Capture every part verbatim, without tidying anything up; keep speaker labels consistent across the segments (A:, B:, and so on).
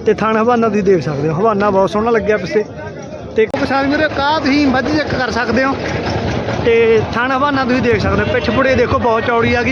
A: ਤੇ ਥਣ ਹਵਾਨਾ ਤੁਸੀਂ ਦੇਖ ਸਕਦੇ ਹੋ। ਹਵਾਨਾ ਬਹੁਤ ਸੋਹਣਾ ਲੱਗਿਆ ਪਿੱਛੇ। ਤੇ ਕਿਸਾਨ ਵੀਰੇ ਕਾਹ ਤੁਸੀਂ ਮੱਝ ਚੈੱਕ ਕਰ ਸਕਦੇ ਹੋ। ਤੇ ਥਣ ਹਵਾਨਾ ਤੁਸੀਂ ਦੇਖ ਸਕਦੇ ਹੋ। ਪਿੱਛ ਪੁੜੇ ਦੇਖੋ ਬਹੁਤ ਚੌੜੀ ਆ ਗਈ।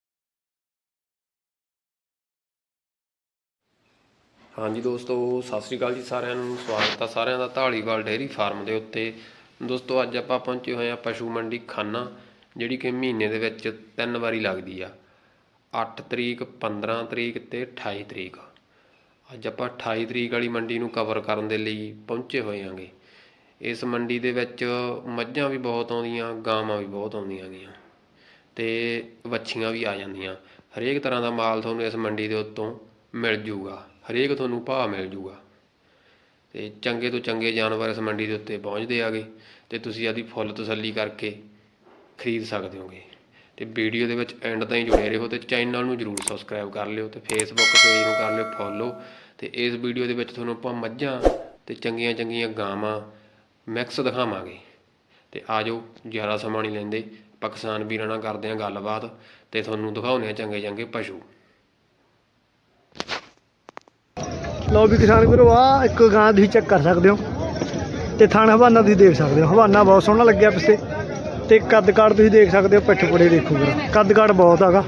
B: ਹਾਂਜੀ ਦੋਸਤੋ, ਸਤਿ ਸ਼੍ਰੀ ਅਕਾਲ ਜੀ ਸਾਰਿਆਂ ਨੂੰ। ਸਵਾਗਤ ਆ ਸਾਰਿਆਂ ਦਾ ਢਾਲੀਵਾਲ ਡੇਅਰੀ ਫਾਰਮ ਦੇ ਉੱਤੇ। ਦੋਸਤੋ ਅੱਜ ਆਪਾਂ ਪਹੁੰਚੇ ਹੋਏ ਹਾਂ ਪਸ਼ੂ ਮੰਡੀ ਖਾਨਾ, ਜਿਹੜੀ ਕਿ ਮਹੀਨੇ ਦੇ ਵਿੱਚ ਤਿੰਨ ਵਾਰੀ ਲੱਗਦੀ ਆ, ਅੱਠ ਤਰੀਕ, ਪੰਦਰਾਂ ਤਰੀਕ ਅਤੇ ਅਠਾਈ ਤਰੀਕ। ਅੱਜ ਆਪਾਂ ਅਠਾਈ ਤਰੀਕ ਵਾਲੀ ਮੰਡੀ ਨੂੰ ਕਵਰ ਕਰਨ ਦੇ ਲਈ ਪਹੁੰਚੇ ਹੋਏ ਹਾਂਗੇ। ਇਸ ਮੰਡੀ ਦੇ ਵਿੱਚ ਮੱਝਾਂ ਵੀ ਬਹੁਤ ਆਉਂਦੀਆਂ, ਗਾਵਾਂ ਵੀ ਬਹੁਤ ਆਉਂਦੀਆਂ ਗੀਆਂ ਅਤੇ ਵੱਛੀਆਂ ਵੀ ਆ ਜਾਂਦੀਆਂ। ਹਰੇਕ ਤਰ੍ਹਾਂ ਦਾ ਮਾਲ ਤੁਹਾਨੂੰ ਇਸ ਮੰਡੀ ਦੇ ਉੱਤੋਂ ਮਿਲ ਜੂਗਾ, ਹਰੇਕ ਤੁਹਾਨੂੰ ਭਾਅ ਮਿਲ ਜੂਗਾ ਅਤੇ ਚੰਗੇ ਤੋਂ ਚੰਗੇ ਜਾਨਵਰ ਇਸ ਮੰਡੀ ਦੇ ਉੱਤੇ ਪਹੁੰਚਦੇ ਆਗੇ ਅਤੇ ਤੁਸੀਂ ਆਪਦੀ ਫੁੱਲ ਤਸੱਲੀ ਕਰਕੇ ਖਰੀਦ ਸਕਦੇ ਹੋਗੇ। ਅਤੇ ਵੀਡੀਓ ਦੇ ਵਿੱਚ ਐਂਡ ਤਾਈਂ ਜੁੜੇ ਰਹੋ ਅਤੇ ਚੈਨਲ ਨੂੰ ਜ਼ਰੂਰ ਸਬਸਕ੍ਰਾਈਬ ਕਰ ਲਿਓ ਅਤੇ ਫੇਸਬੁੱਕ ਪੇਜ ਨੂੰ ਕਰ ਲਿਓ ਫੋਲੋ। ਅਤੇ ਇਸ ਵੀਡੀਓ ਦੇ ਵਿੱਚ ਤੁਹਾਨੂੰ ਆਪਾਂ ਮੱਝਾਂ ਅਤੇ ਚੰਗੀਆਂ ਚੰਗੀਆਂ ਗਾਵਾਂ ਮਿਕਸ ਦਿਖਾਵਾਂਗੇ। ਅਤੇ ਆ ਜਾਓ, ਜ਼ਿਆਦਾ ਸਮਾਂ ਨਹੀਂ ਲੈਂਦੇ, ਆਪਾਂ ਕਿਸਾਨ ਵੀਰਾਂ ਨਾਲ ਕਰਦੇ ਹਾਂ ਗੱਲਬਾਤ ਅਤੇ ਤੁਹਾਨੂੰ ਦਿਖਾਉਂਦੇ ਹਾਂ ਚੰਗੇ ਚੰਗੇ ਪਸ਼ੂ।
A: ਲਓ ਵੀ ਕਿਸਾਨ ਵੀਰੋ, ਆਹ ਇੱਕ ਗਾਂ ਤੁਸੀਂ ਚੈੱਕ ਕਰ ਸਕਦੇ ਹੋ ਤੇ ਥਣ ਹਵਾਨਾ ਤੁਸੀਂ ਦੇਖ ਸਕਦੇ ਹੋ। ਹਵਾਨਾ ਬਹੁਤ ਸੋਹਣਾ ਲੱਗਿਆ ਪਿੱਛੇ। ਤੇ ਕੱਦ ਕਾਠ ਤੁਸੀਂ ਦੇਖ ਸਕਦੇ ਹੋ। ਪਿੱਠ ਪੁੜੇ ਦੇਖੋ ਵੀਰ, ਕੱਦ ਕਾਠ ਬਹੁਤ ਹੈਗਾ।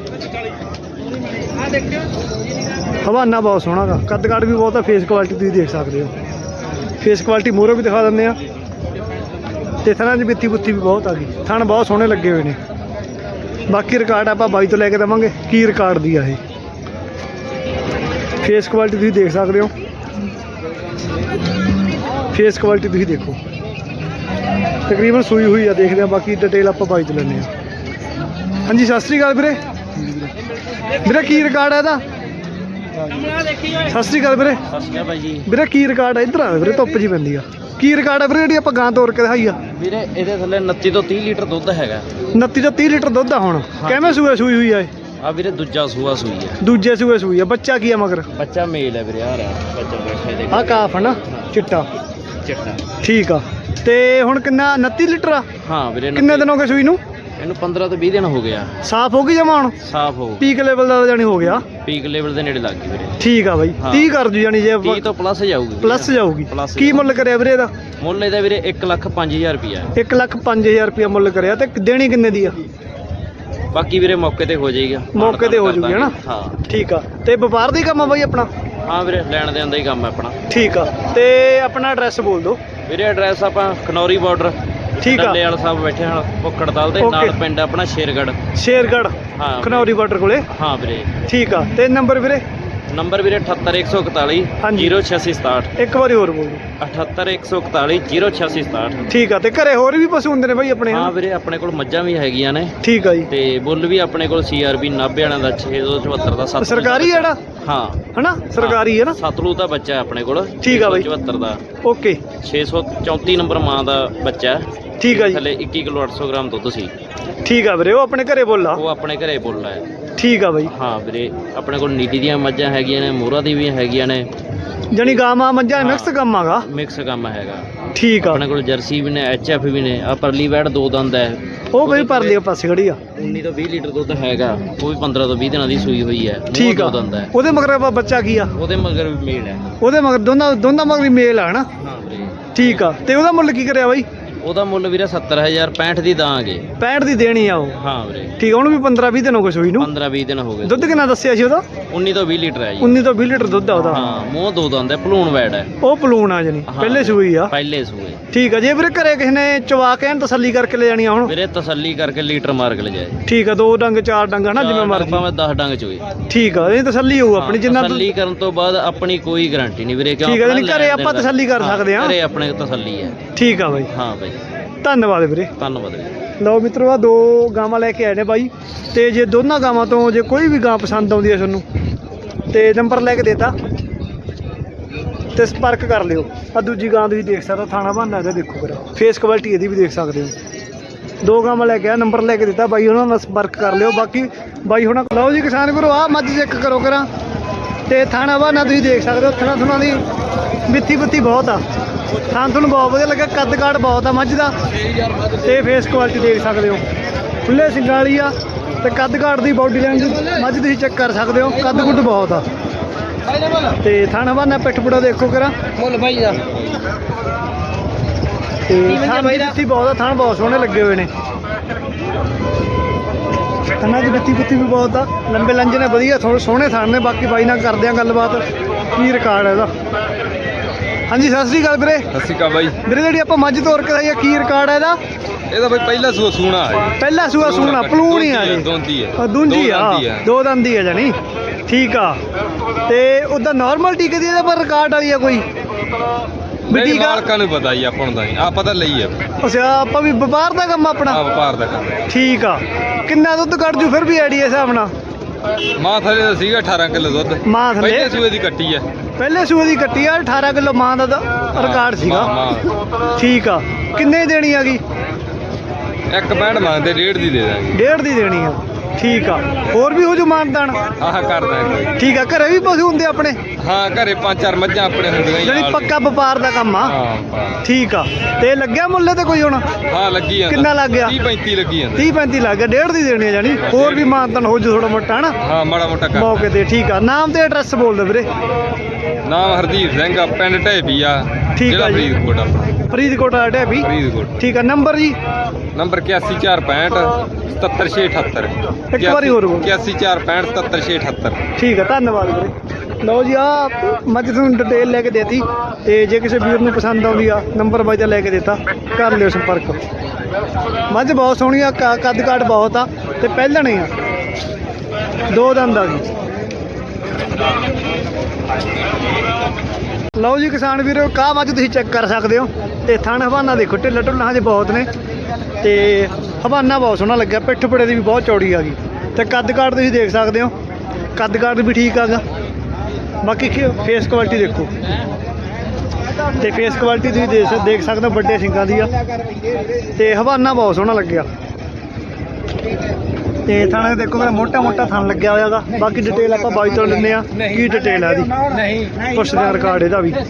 A: ਹਵਾਨਾ ਬਹੁਤ ਸੋਹਣਾ ਗਾ, ਕੱਦ ਕਾਠ ਵੀ ਬਹੁਤ ਆ। ਫੇਸ ਕੁਆਲਿਟੀ ਤੁਸੀਂ ਦੇਖ ਸਕਦੇ ਹੋ। ਫੇਸ ਕੁਆਲਿਟੀ ਮੂਹਰੋਂ ਵੀ ਦਿਖਾ ਦਿੰਦੇ ਆ। ਤੇ ਥਣਾਂ 'ਚ ਬਿੱਤੀ ਬੁੱਤੀ ਵੀ ਬਹੁਤ ਆ ਗਈ। ਥਣ ਬਹੁਤ ਸੋਹਣੇ ਲੱਗੇ ਹੋਏ ਨੇ। ਬਾਕੀ ਰਿਕਾਰਡ ਆਪਾਂ ਬਾਈ ਤੋਂ ਲੈ ਕੇ ਦੇਵਾਂਗੇ ਕੀ ਰਿਕਾਰਡ ਦੀ ਆ ਇਹ। ਫੇਸ ਕੁਆਲਿਟੀ ਤੁਸੀਂ ਦੇਖ ਸਕਦੇ ਹੋ। ਫੇਸ ਕੁਆਲਿਟੀ ਤੁਸੀਂ ਦੇਖੋ, ਤਕਰੀਬਨ ਸੂਈ ਹੋਈ ਆ। ਦੇਖਦੇ ਆ ਬਾਕੀ ਡਿਟੇਲ ਆਪਾਂ ਬਾਈ ਤੋਂ ਲੈਂਦੇ ਹਾਂ। ਹਾਂਜੀ ਸਤਿ ਸ਼੍ਰੀ ਅਕਾਲ ਵੀਰੇ। ਵੀਰੇ ਕੀ ਰਿਕਾਰਡ ਹੈ ਇਹਦਾ? ਸਤਿ ਸ਼੍ਰੀ ਅਕਾਲ ਵੀਰੇ।
C: ਸਤਿ ਸ਼੍ਰੀ ਅਕਾਲ ਭਾਈ ਜੀ।
A: ਵੀਰੇ ਕੀ ਰਿਕਾਰਡ ਹੈ? ਇੱਧਰ ਆ ਵੀਰੇ, ਧੁੱਪ ਜੀ ਪੈਂਦੀ ਆ। ਕੀ ਰਿਕਾਰਡ ਹੈ ਵੀਰੇ ਜਿਹੜੀ ਆਪਾਂ ਗਾਂ ਤੋਰ ਕੇ ਦਿਖਾਈ ਆ?
C: ਵੀਰੇ ਇਹਦੇ ਥੱਲੇ ਉਨੱਤੀ ਤੋਂ ਤੀਹ ਲੀਟਰ ਦੁੱਧ ਹੈਗਾ।
A: ਉਨੱਤੀ ਤੋਂ ਤੀਹ ਲੀਟਰ ਦੁੱਧ ਆ ਹੁਣ। ਕਿਵੇਂ ਸੂਏ ਸੂਈ ਹੋਈ ਆ ਇਹ?
C: ਆ ਵੀਰੇ ਦੂਜਾ ਸੂਆ ਸੂਈ ਹੈ।
A: ਦੂਜੇ ਸੂਏ ਸੂਈ ਆ। ਬੱਚਾ ਕੀ ਆ ਮਗਰ?
C: ਬੱਚਾ ਮੇਲ ਹੈ ਵੀਰੇ। ਆ ਰਿਹਾ ਬੱਚਾ ਬੈਠਾ ਦੇ।
A: ਆ ਕਾਫ ਹੈ ਨਾ, ਚਿੱਟਾ
C: ਚਿੱਟਾ।
A: ਠੀਕ ਆ। ਤੇ ਹੁਣ ਕਿੰਨਾ? ਉਨੱਤੀ ਲੀਟਰ ਆ।
C: ਹਾਂ ਵੀਰੇ।
A: ਕਿੰਨੇ ਦਿਨ ਹੋ ਗਏ ਸੂਈ ਨੂੰ?
C: ਇਹਨੂੰ ਪੰਦਰਾਂ ਤੋਂ ਵੀਹ ਦਿਨ ਹੋ ਗਿਆ।
A: ਸਾਫ਼ ਹੋ ਗਈ ਜਮਾ ਹੁਣ?
C: ਸਾਫ਼ ਹੋ
A: ਪੀਕ ਲੈਵਲ ਦਾ ਜਾਨੀ ਹੋ ਗਿਆ।
C: ਪੀਕ ਲੈਵਲ ਦੇ ਨੇੜੇ ਲੱਗ ਗਈ ਵੀਰੇ।
A: ਠੀਕ ਆ ਬਾਈ। ਤੀਹ ਕਰ ਜੂ ਜਾਨੀ ਜੇ
C: ਤੀਹ ਤੋਂ ਪਲੱਸ ਜਾਊਗੀ।
A: ਪਲੱਸ ਜਾਊਗੀ। ਕੀ ਮੁੱਲ ਕਰਿਆ ਵੀਰੇ ਇਹਦਾ?
C: ਮੁੱਲ ਇਹਦਾ ਵੀਰੇ ਇੱਕ ਲੱਖ ਪੰਜ ਹਜ਼ਾਰ ਰੁਪਇਆ।
A: ਇੱਕ ਲੱਖ ਪੰਜ ਹਜ਼ਾਰ ਰੁਪਇਆ ਮੁੱਲ ਕਰਿਆ। ਤੇ ਦੇਣੀ ਕਿੰਨੇ ਦੀ ਆ?
C: ਬਾਕੀ ਵੀਰੇ ਮੌਕੇ ਤੇ ਹੋ ਜਾਏਗਾ।
A: ਮੌਕੇ ਤੇ ਹੋ ਜੂਗੀ ਹਨਾ।
C: ਹਾਂ ਠੀਕ
A: ਆ। ਤੇ ਵਪਾਰ ਦਾ ਹੀ ਕੰਮ ਆ ਬਾਈ ਆਪਣਾ?
C: ਹਾਂ ਵੀਰੇ, ਲੈਣ ਦੇਣ ਦਾ ਹੀ ਕੰਮ ਹੈ ਆਪਣਾ।
A: ਠੀਕ ਆ। ਤੇ ਆਪਣਾ ਐਡਰੈਸ ਬੋਲ ਦਿਓ
C: ਵੀਰੇ। ਐਡਰੈਸ ਆਪਾਂ ਖਨੌਰੀ ਬਾਰਡਰ,
A: ਠੀਕ ਆ,
C: ਡੱਲੇ ਵਾਲਾ ਸਾਹਿਬ ਬੈਠੇ ਹਾਂ ਭੁੱਖੜ ਦਲ ਦੇ ਨਾਲ। ਪਿੰਡ ਆਪਣਾ ਸ਼ੇਰਗੜ੍ਹ।
A: ਸ਼ੇਰਗੜ੍ਹ
C: ਹਾਂ,
A: ਖਨੌਰੀ ਬਾਰਡਰ ਕੋਲੇ।
C: ਹਾਂ ਵੀਰੇ।
A: ਠੀਕ ਆ। ਤੇ ਨੰਬਰ ਵੀਰੇ?
C: ਨੰਬਰ ਵੀਰੇ ਅਠੱਤਰ ਇੱਕ ਸੌ ਇਕਤਾਲੀ ਜੀਰੋ ਛਿਆਸੀ ਸਤਾਹਠ।
A: ਇੱਕ ਵਾਰੀ ਹੋਰ ਬੋਲ ਦਿਓ।
C: ਅਠੱਤਰ ਇੱਕ ਸੌ ਇਕਤਾਲੀ ਜੀਰੋ ਛਿਆਸੀ ਸਤਾਹਠ।
A: ਠੀਕ ਆ। ਤੇ ਘਰੇ ਹੋਰ ਵੀ ਪਸ਼ੂ ਹੁੰਦੇ ਨੇ ਬਾਈ ਆਪਣੇ?
C: ਹਾਂ ਵੀਰੇ, ਆਪਣੇ ਕੋਲ ਮੱਝਾਂ ਵੀ ਹੈਗੀਆਂ ਨੇ।
A: ਠੀਕ ਆ ਜੀ।
C: ਤੇ ਬੁੱਲ ਵੀ ਆਪਣੇ ਕੋਲ ਸੀ ਆਰ ਬੀ ਨਾਭੇ ਵਾਲਿਆਂ ਦਾ ਛੇ ਸੌ ਚੁਹੱਤਰ ਦਾ। ਸੱਤ
A: ਸਰਕਾਰੀ ਜਿਹੜਾ?
C: ਹਾਂ
A: ਹਨਾ, ਸਰਕਾਰੀ ਹੈ ਨਾ।
C: ਸਤਲੂ ਦਾ ਬੱਚਾ ਹੈ ਆਪਣੇ ਕੋਲ।
A: ਠੀਕ ਆ ਬਾਈ।
C: ਚੁਹੱਤਰ ਦਾ।
A: ਓਕੇ।
C: ਛੇ ਸੌ ਚੌਂਤੀ ਨੰਬਰ ਮਾਂ ਦਾ ਬੱਚਾ ਹੈ।
A: ਠੀਕ ਆ ਜੀ।
C: ਥੱਲੇ ਇੱਕੀ ਕਿਲੋ ਅੱਠ ਸੌ ਗ੍ਰਾਮ ਦੁੱਧ ਸੀ।
A: ਠੀਕ ਆ ਵੀਰੇ। ਉਹ ਆਪਣੇ ਘਰੇ ਬੋਲਾ?
C: ਉਹ ਆਪਣੇ ਘਰੇ ਬੋਲਾ ਹੈ।
A: ਠੀਕ ਆ ਬਾਈ।
C: ਹਾਂ ਵੀਰੇ, ਆਪਣੇ ਕੋਲ ਨੀਲੀ ਦੀਆਂ ਮੱਝਾਂ ਹੈਗੀਆਂ ਨੇ, ਮੋਹਰਾ ਦੀ ਵੀ ਹੈਗੀਆਂ ਨੇ।
A: ਜਾਨੀ ਗਾਵਾਂ ਮੱਝਾਂ ਮਿਕਸ ਕੰਮ ਆਗਾ।
C: ਮਿਕਸ ਕੰਮ ਹੈਗਾ।
A: ਠੀਕ ਆ।
C: ਆਪਣੇ ਕੋਲ ਜਰਸੀ ਵੀ ਨੇ, ਐਚ ਐਫ ਵੀ ਨੇ। ਆ ਪਰਲੀ ਵੈੜ ਦੋ ਦੰਦ ਹੈ।
A: ਉਹ ਬਈ ਪਰ ਲਿਓ ਪਾਸੇ ਖੜੀ ਆ।
C: ਉੱਨੀ ਤੋਂ ਵੀਹ ਲੀਟਰ ਦੁੱਧ ਹੈਗਾ। ਉਹ ਵੀ ਪੰਦਰਾਂ ਤੋਂ ਵੀਹ ਦਿਨਾਂ ਦੀ ਸੂਈ ਹੋਈ ਹੈ।
A: ਠੀਕ ਆ।
C: ਦੋ ਦੰਦ ਹੈ।
A: ਉਹਦੇ ਮਗਰ ਬੱਚਾ ਕੀ ਆ?
C: ਉਹਦੇ ਮਗਰ ਵੀ ਮੇਲ ਹੈ।
A: ਉਹਦੇ ਮਗਰ ਦੋਨਾਂ ਦੋਨਾਂ ਮਗਰ ਵੀ ਮੇਲ ਆ ਹਨਾ।
C: ਹਾਂ ਵੀਰੇ।
A: ਠੀਕ ਆ। ਤੇ ਉਹਦਾ ਮੁੱਲ ਕੀ ਕਰਿਆ ਬਾਈ?
C: ਉਹਦਾ ਮੁੱਲ ਵੀਰੇ ਸੱਤਰ ਹਜ਼ਾਰ ਪੈਂਹਠ ਦੀ ਦਾਂਗੇ।
A: ਪੈਂਹਠ ਦੀ ਦੇਣੀ ਆ ਉਹ?
C: ਹਾਂ ਵੀਰੇ।
A: ਠੀਕ ਆ। ਉਹਨੂੰ ਵੀ ਪੰਦਰਾਂ ਵੀਹ ਦਿਨ ਹੋ ਗਏ ਸੂਈ ਨੂੰ?
C: ਪੰਦਰਾਂ ਵੀਹ ਦਿਨ ਹੋ ਗਏ।
A: ਦੁੱਧ ਕਿੰਨਾ ਦੱਸਿਆ ਸੀ ਉਹਦਾ?
C: ਉੱਨੀ ਤੋਂ ਵੀਹ ਲੀਟਰ ਹੈ ਜੀ।
A: ਉੱਨੀ ਤੋਂ ਵੀਹ ਲੀਟਰ ਦੁੱਧ ਆ ਉਹਦਾ।
C: ਹਾਂ, ਮੂੰਹ ਦੋ ਦੰਦ ਹੈ, ਭਲੂਣ ਵੈੜ ਹੈ।
A: ਉਹ ਪਲੂਣ ਆ ਜਾਨੀ ਪਹਿਲੇ ਸੂਈ ਆ?
C: ਪਹਿਲੇ ਸੂਏ।
A: ਠੀਕ ਆ। ਜੇ ਵੀਰੇ ਘਰੇ ਕਿਸੇ ਨੇ ਚਵਾ ਕੇ ਐਨ ਤਸੱਲੀ ਕਰਕੇ ਲੈ ਜਾਣੀ ਆ ਹੁਣ?
C: ਵੀਰੇ ਤਸੱਲੀ ਕਰਕੇ ਲੀਟਰ ਮਾਰ ਕੇ ਲੈ ਜਾਏ।
A: ਠੀਕ ਆ। ਦੋ ਡੰਗ ਚਾਰ ਡੰਗ ਹਨਾ, ਜਿਵੇਂ ਮਰਜ਼ੀ।
C: ਭਾਵੇਂ ਦਸ ਡੰਗ ਚ ਹੋਏ।
A: ਠੀਕ ਆ। ਇਹ ਤਸੱਲੀ ਹੋਊ ਆਪਣੀ ਜਿੰਨਾ।
C: ਤਸੱਲੀ ਕਰਨ ਤੋਂ ਬਾਅਦ ਆਪਣੀ ਕੋਈ ਗਾਰੰਟੀ ਨਹੀਂ ਵੀਰੇ।
A: ਠੀਕ ਆ। ਜਾਨੀ ਘਰੇ ਆਪਾਂ ਤਸੱਲੀ ਕਰ ਸਕਦੇ ਆ?
C: ਘਰੇ ਆਪਣੇ ਤਸੱਲੀ ਹੈ।
A: ਠੀਕ ਆ ਬਾਈ।
C: ਹਾਂ ਬਾਈ,
A: ਧੰਨਵਾਦ ਵੀਰੇ।
C: ਧੰਨਵਾਦ ਵੀਰੇ।
A: ਲਓ ਮਿੱਤਰੋ, ਆ ਦੋ ਗਾਵਾਂ ਲੈ ਕੇ ਆਏ ਨੇ ਬਾਈ। ਤੇ ਜੇ ਦੋਨਾਂ ਗਾਵਾਂ ਤੋਂ ਜੇ ਕੋਈ ਵੀ ਗਾਂ ਪਸੰਦ ਆਉਂਦੀ ਹੈ ਤੁਹਾਨੂੰ, ਤੇ ਨੰਬਰ ਲੈ ਕੇ ਦੇਤਾ ਤੇ ਸੰਪਰਕ ਕਰ ਲਿਓ। ਆ ਦੂਜੀ ਗਾਂ ਤੁਸੀਂ ਦੇਖ ਸਕਦੇ ਹੋ, ਥਾਣਾ ਬਹਾਨਾ ਇਹਦਾ ਦੇਖੋ ਫਿਰ। ਫੇਸ ਕੁਆਲਿਟੀ ਇਹਦੀ ਵੀ ਦੇਖ ਸਕਦੇ ਹੋ। ਦੋ ਗਾਵਾਂ ਲੈ ਕੇ ਆ, ਨੰਬਰ ਲੈ ਕੇ ਦਿੱਤਾ ਬਾਈ ਉਹਨਾਂ ਨਾਲ ਸੰਪਰਕ ਕਰ ਲਿਓ। ਬਾਕੀ ਬਾਈ ਹੁਣ ਲਓ ਜੀ ਕਿਸਾਨ ਵੀਰੋ, ਆ ਮੱਝ ਚੈੱਕ ਕਰੋ ਕਰਾਂ। ਤੇ ਥਾਣਾ ਬਹਾਨਾ ਤੁਸੀਂ ਦੇਖ ਸਕਦੇ ਹੋ। ਥਣਾ ਥੁਣਾ ਦੀ ਮਿੱਥੀ ਬੁੱਤੀ ਬਹੁਤ ਆ। ਥਾਂ ਤੁਹਾਨੂੰ ਬਹੁਤ ਵਧੀਆ ਲੱਗਾ। ਕੱਦ ਕਾਠ ਬਹੁਤ ਆ ਮੱਝ ਦਾ। ਤੇ ਫੇਸ ਕੁਆਲਿਟੀ ਦੇਖ ਸਕਦੇ ਹੋ, ਖੁੱਲੇ ਸਿੰਗਾਂ ਵਾਲੀ ਆ। ਤੇ ਕੱਦ ਕਾਠ ਦੀ ਬਾਡੀ ਲਾਈਨ ਦੀ ਮੱਝ ਤੁਸੀਂ ਚੈੱਕ ਕਰ ਸਕਦੇ ਹੋ। ਕੱਦ ਕੁੱਦ ਬਹੁਤ ਆ। ਤੇ ਥਣ ਹਵਾਨਾ ਪਿੱਠ ਪੁੜਾ ਦੇਖੋ ਕਰਾ
C: ਮੁੱਲ ਬਾਈ ਦਾ
A: ਤੇ ਥਣ ਦੀ ਬਿੱਤੀ ਬਹੁਤ ਆ, ਥਣ ਬਹੁਤ ਸੋਹਣੇ ਲੱਗੇ ਹੋਏ ਨੇ। ਥਣਾਂ ਦੀ ਬਿੱਤੀ ਬੁੱਤੀ ਵੀ ਬਹੁਤ ਆ, ਲੰਬੇ ਲੰਜ ਨੇ, ਵਧੀਆ ਥੋੜੇ ਸੋਹਣੇ ਥਣ ਨੇ। ਬਾਕੀ ਬਾਈ ਨਾਲ ਕਰਦੇ ਆ ਗੱਲਬਾਤ, ਕੀ ਰਿਕਾਰਡ ਹੈ ਇਹਦਾ। ਹਾਂਜੀ ਸਤਿ ਸ੍ਰੀ ਅਕਾਲ ਵੀਰੇ।
D: ਸਤਿ ਸ਼੍ਰੀ ਅਕਾਲ ਬਾਈ।
A: ਵੀਰੇ ਜਿਹੜੀ ਆਪਾਂ ਮੱਝ ਤੋਰ ਕੇ ਆਈ ਆ, ਕੀ ਰਿਕਾਰਡ ਹੈ ਇਹਦਾ?
D: ਇਹਦਾ ਬਾਈ ਪਹਿਲਾ ਸੂਆ ਸੂਣਾ ਹੈ।
A: ਪਹਿਲਾ ਸੂਆ ਸੂਣਾ ਪਲੂਣ ਹੀ ਆ ਜੀ।
D: ਦੋਂਦੀ ਹੈ।
A: ਦੂੰਜੀ ਆ, ਦੋ ਦੰਦੀ ਆ ਜਾਨੀ। ਠੀਕ ਆ। ਤੇ ਉਹਦਾ ਨਾਰਮਲ ਟੀਕੇ ਦੀ ਇਹਦੇ ਪਰ ਰਿਕਾਰਡ ਵਾਲੀ ਆ ਕੋਈ ਵੀ
D: ਨਹੀਂ,
A: ਟੀਕਾ?
D: ਮਾਲਕਾਂ ਨੂੰ ਪਤਾ ਹੀ, ਆਪਾਂ ਨੂੰ ਤਾਂ ਨਹੀਂ, ਆਪਾਂ ਤਾਂ ਲਈ ਆ।
A: ਅੱਛਾ, ਆਪਾਂ ਵੀ ਵਪਾਰ ਦਾ ਕੰਮ ਆਪਣਾ।
D: ਆ ਵਪਾਰ ਦਾ ਕੰਮ।
A: ਠੀਕ ਆ। ਕਿੰਨਾ ਦੁੱਧ ਕੱਢ ਜੂ ਫਿਰ ਵੀ ਆਈਡੀਆ ਹਿਸਾਬ ਨਾਲ?
D: ਮਾਂ ਥਲੇ ਦਾ ਸੀਗਾ ਅਠਾਰਾਂ ਕਿਲੋ ਦੁੱਧ।
A: ਮਾਂ ਥੱਲੇ
D: ਪਹਿਲੇ ਸੂਏ ਦੀ ਕੱਟੀ ਹੈ।
A: ਪਹਿਲੇ ਸੂਏ ਦੀ ਕੱਟੀ ਆ, ਅਠਾਰਾਂ ਕਿਲੋ ਮਾਂ ਦਾ ਤਾਂ ਰਿਕਾਰਡ ਸੀਗਾ।
D: ਮਾਂ
A: ਠੀਕ ਆ। ਕਿੰਨੇ ਦੀ ਦੇਣੀ ਹੈਗੀ?
D: ਇੱਕ ਪੈਂਟ ਮੰਗਦੇ, ਡੇਢ ਦੀ ਦੇ ਦਾਂਗੇ।
A: ਡੇਢ ਦੀ ਦੇਣੀ ਆ। ਠੀਕ ਆ। ਹੋਰ ਵੀ ਹੋ ਜੂ ਮਾਨਦਾਨ?
D: ਆਹ ਕਰਦਾ ਕੋਈ।
A: ਠੀਕ ਆ। ਘਰੇ ਵੀ ਪਸ਼ੂ ਹੁੰਦੇ ਆਪਣੇ?
D: ਹਾਂ, ਘਰੇ ਪੰਜ ਚਾਰ ਮੱਝਾਂ ਆਪਣੇ ਹੁੰਦੀਆਂ ਹੀ
A: ਜਿਹੜੀ
D: ਨਾਲ
A: ਪੱਕਾ ਵਪਾਰ ਦਾ ਕੰਮ ਆ।
D: ਹਾਂ
A: ਠੀਕ ਆ। ਤੇ ਲੱਗਿਆ ਮੁੱਲ ਤੇ ਕੋਈ ਹੁਣ?
D: ਹਾਂ ਲੱਗੀ ਜਾਂਦਾ।
A: ਕਿੰਨਾ ਲੱਗ ਗਿਆ?
D: ਤੀਹ ਪੈਂਤੀ ਲੱਗੀ ਜਾਂਦਾ।
A: ਤੀਹ ਪੈਂਤੀ ਲੱਗ ਗਿਆ। ਡੇਢ ਦੀ ਦੇਣੀ ਆ ਜਾਨੀ। ਹੋਰ ਵੀ ਮਾਨਦਾਨ ਹੋ ਜੂ ਥੋੜਾ ਮੋਟਾ ਹਨਾ
D: ਹਾਂ, ਮਾੜਾ ਮੋਟਾ ਕਰ
A: ਮੌਕੇ ਤੇ। ਠੀਕ ਆ। ਨਾਮ ਤੇ ਐਡਰੈਸ ਬੋਲ ਦਿਓ ਵੀਰੇ।
D: ਨਾਮ ਹਰਦੀਪ ਸਿੰਘ ਆ, ਪਿੰਡ ਢੇਬੀ ਆ,
A: ਠੀਕ
D: ਜ਼ਿਲ੍ਹਾ
A: ਆ ਜੀ।
D: ਫਰੀਦਕੋਟ ਆਪਣਾ।
A: ਫਰੀਦਕੋਟ ਆ ਢੇਬੀ।
D: ਫਰੀਦਕੋਟ।
A: ਠੀਕ ਆ। ਨੰਬਰ ਜੀ?
D: ਨੰਬਰ ਇਕਿਆਸੀ ਚਾਰ ਪੈਂਹਠ ਸਤੱਤਰ ਛੇ ਅਠੱਤਰ।
A: ਇੱਕ ਵਾਰੀ ਹੋਰ ਬੋਲ।
D: ਇਕਿਆਸੀ ਚਾਰ ਪੈਂਹਠ ਸਤੱਤਰ ਛੇ ਅਠੱਤਰ।
A: ਠੀਕ ਆ। ਧੰਨਵਾਦ ਵੀਰੇ। ਲਓ ਜੀ, ਆ ਮੱਝ ਤੁਹਾਨੂੰ ਡਿਟੇਲ ਲੈ ਕੇ ਦੇਤੀ। ਤੇ ਜੇ ਕਿਸੇ ਵੀਰ ਨੂੰ ਪਸੰਦ ਆਉਂਦੀ ਆ, ਨੰਬਰ ਬਾਈ ਦਾ ਲੈ ਕੇ ਦਿੱਤਾ, ਕਰ ਲਿਓ ਸੰਪਰਕ। ਮੱਝ ਬਹੁਤ ਸੋਹਣੀ ਆ, ਕ- ਕੱਦ ਕਾਠ ਬਹੁਤ ਆ ਤੇ ਪਹਿਲਣ ਹੀ ਆ, ਦੋ ਦੰਦ ਆ ਗਈ। ਲਓ ਜੀ ਕਿਸਾਨ ਵੀਰੋ, ਕਾਹ ਮੱਝ ਤੁਸੀਂ ਚੈੱਕ ਕਰ ਸਕਦੇ ਹੋ। ਤੇ ਥਣ ਹਵਾਨਾ ਦੇਖੋ, ਢਿੱਲਾ ਢੁੱਲਾ ਹਜੇ ਬਹੁਤ ਨੇ। ਤੇ ਹਵਾਨਾ ਬਹੁਤ ਸੋਹਣਾ ਲੱਗਿਆ, ਪਿੱਠ ਪੜੇ ਦੀ ਵੀ ਬਹੁਤ ਚੌੜੀ ਆ ਗਈ। ਤੇ ਕੱਦ ਕਾਠ ਤੁਸੀਂ ਦੇਖ ਸਕਦੇ ਹੋ, ਕੱਦ ਕਾਠ ਵੀ ਠੀਕ ਆਗਾ। ਬਾਕੀ ਫੇਸ ਕੁਆਲਿਟੀ ਦੇਖੋ, ਤੇ ਫੇਸ ਕੁਆਲਿਟੀ ਤੁਸੀਂ ਦੇਖ ਦੇਖ ਸਕਦੇ ਹੋ, ਵੱਡੇ ਸਿੰਗਾਂ ਦੀ ਆ। ਤੇ ਹਵਾਨਾ ਬਹੁਤ ਸੋਹਣਾ ਲੱਗਿਆ। ਤੇ ਥਾਣੇ ਦੇਖੋ ਮੇਰਾ ਮੋਟਾ ਮੋਟਾ ਥਣ ਲੱਗਿਆ ਹੋਇਆ ਗਾ। ਬਾਕੀ ਡਿਟੇਲ ਆਪਾਂ ਬਾਈ ਤੋਂ ਲੈਂਦੇ ਆ, ਕੀ ਡਿਟੇਲ ਆ ਇਹਦੀ, ਪੁੱਛਦੇ ਆ ਰਿਕਾਰਡ ਇਹਦਾ ਵੀ।